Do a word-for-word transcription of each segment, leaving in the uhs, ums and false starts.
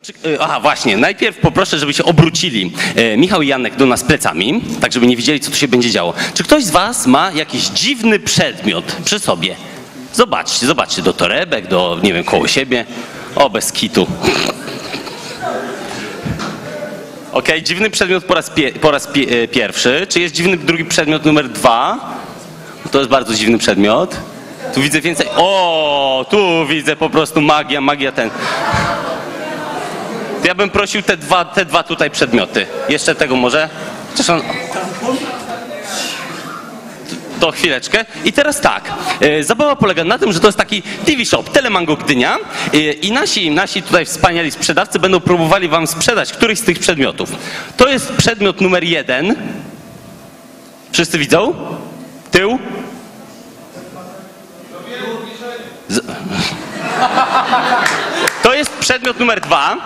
Aha, właśnie, najpierw poproszę, żeby się obrócili e, Michał i Janek do nas plecami, tak żeby nie widzieli, co tu się będzie działo. Czy ktoś z was ma jakiś dziwny przedmiot przy sobie? Zobaczcie, zobaczcie, do torebek, do, nie wiem, koło siebie. O, bez kitu. Okej, okay, dziwny przedmiot po raz, pie, po raz pie, e, pierwszy. Czy jest dziwny drugi przedmiot numer dwa? To jest bardzo dziwny przedmiot. Tu widzę więcej. O, tu widzę po prostu magia, magia ten. Ja bym prosił te dwa, te dwa tutaj przedmioty. Jeszcze tego może? Chociaż on... To chwileczkę. I teraz tak. E, zabawa polega na tym, że to jest taki T V Shop, Telemango Gdynia e, i nasi, nasi tutaj wspaniali sprzedawcy będą próbowali wam sprzedać któryś z tych przedmiotów. To jest przedmiot numer jeden. Wszyscy widzą? Tył? Z... To jest przedmiot numer dwa.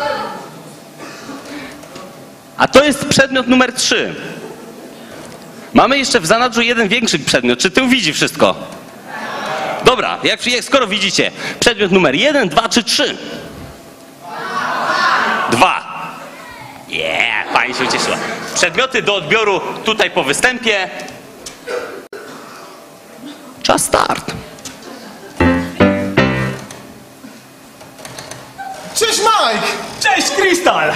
A to jest przedmiot numer trzy. Mamy jeszcze w zanadrzu jeden większy przedmiot. Czy tył widzi wszystko? Dobra, jak, jak skoro widzicie, przedmiot numer jeden, dwa czy trzy? Dwa. Yeah, pani się ucieszyła. Przedmioty do odbioru tutaj po występie. Czas start. Cześć Mike! Cześć Krystal!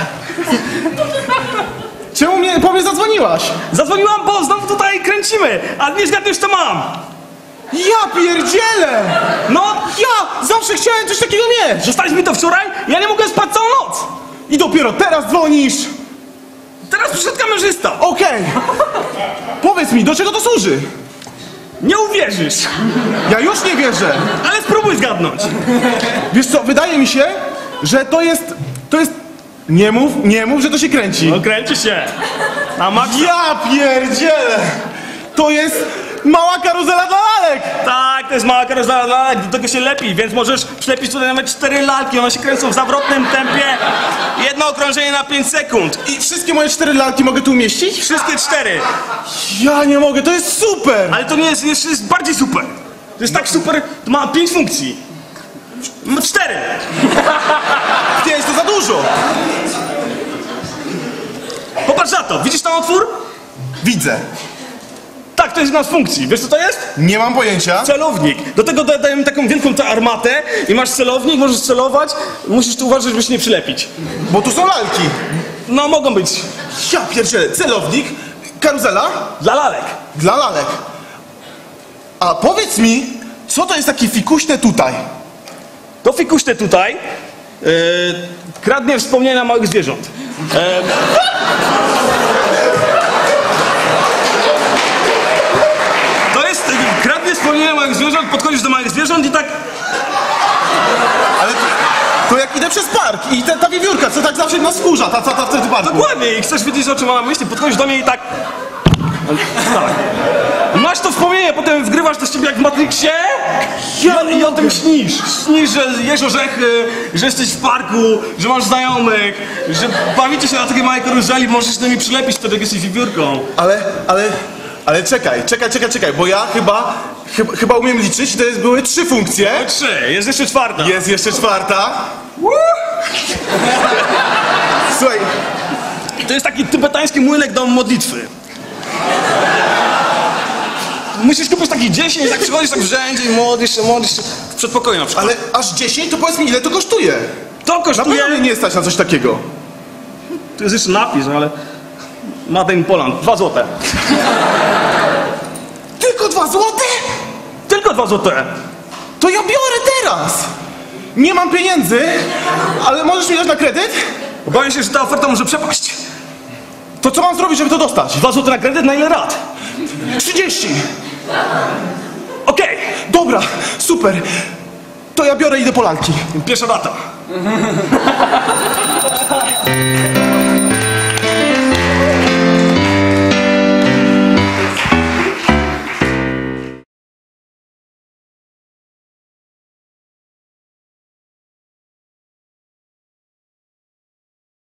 Czemu mnie po mnie zadzwoniłaś? Zadzwoniłam, bo znowu tutaj kręcimy, a nie zgadniesz co mam. Ja pierdzielę! No, Ja zawsze chciałem coś takiego mieć! zostaliśmy to wczoraj, ja nie mogłem spać całą noc. I dopiero teraz dzwonisz! Teraz przyszedł kamerzysta. Okej! Powiedz mi, do czego to służy? Nie uwierzysz, Ja już nie wierzę! ale spróbuj zgadnąć. Wiesz co, wydaje mi się, że to jest... To jest... Nie mów, nie mów, że to się kręci. No kręci się. A Max... Ja pierdzielę! To jest mała karuzela dla lalek! Tak, to jest mała karuzela dla lalek, do tego się lepi, więc możesz przylepić tutaj nawet cztery lalki, one się kręcą w zawrotnym tempie. Jedno okrążenie na pięć sekund. I wszystkie moje cztery lalki mogę tu umieścić? Wszystkie cztery. Ja nie mogę, to jest super! Ale to nie jest, jeszcze jest bardziej super. To jest tak super, to ma pięć funkcji. Ma cztery. Pięć to za dużo! Popatrz na to, widzisz tam otwór? Widzę. Tak, to jest jedna z funkcji. Wiesz co to jest? Nie mam pojęcia. Celownik. Do tego dodajemy taką wielką tę armatę i masz celownik, możesz celować, musisz tu uważać, żeby się nie przylepić. Bo tu są lalki. No, mogą być. Ja pierdzielę, celownik, karuzela Dla lalek. dla lalek. A powiedz mi, co to jest takie fikuśne tutaj? To fikuśne tutaj yy, kradnie wspomnienia małych zwierząt. Yy, to jest, yy, kradnie wspomnienia małych zwierząt, podchodzisz do małych zwierząt i tak... Ale to, to jak idę przez park i ta, ta wiewiórka, co tak zawsze nas wkurza, ta, ta, ta wtedy parku. Dokładnie, i chcesz wiedzieć, o czym mam na myśli, podchodzisz do mnie i tak... tak. Masz to wspomnienie, potem wgrywasz to z ciebie jak w Matrixie i, i o tym śnisz. Śnisz, że jesz orzechy, że jesteś w parku, że masz znajomych, że bawicie się na takiej małej karuzeli, możesz do niej przylepić wtedy, jak jesteś wiewiórką. Ale, ale, ale czekaj, czekaj, czekaj, czekaj, bo ja chyba, chyba, chyba umiem liczyć, to jest, były trzy funkcje. Trzy, jest jeszcze czwarta. Jest jeszcze czwarta. Słuchaj, To jest taki tybetański młynek do modlitwy. Musisz kupić taki dziesięć, tak przychodzisz tak w rzędzie i modlisz się, modlisz się w przedpokoju na przykład. ale aż dziesięć, to powiedz mi, ile to kosztuje? To Na kosztuje... pewno mnie nie stać na coś takiego. Tu jest jeszcze napis, no ale... Made in Poland, dwa złote. Tylko dwa złote? Tylko dwa złote. To ja biorę teraz! Nie mam pieniędzy, ale możesz mi dać na kredyt? Obawiam się, że ta oferta może przepaść. To co mam zrobić, żeby to dostać? Dwa złote na kredyt, na ile rat? trzydzieści! Okej, Dobra, super. To ja biorę i idę po lalki. pierwsza rata.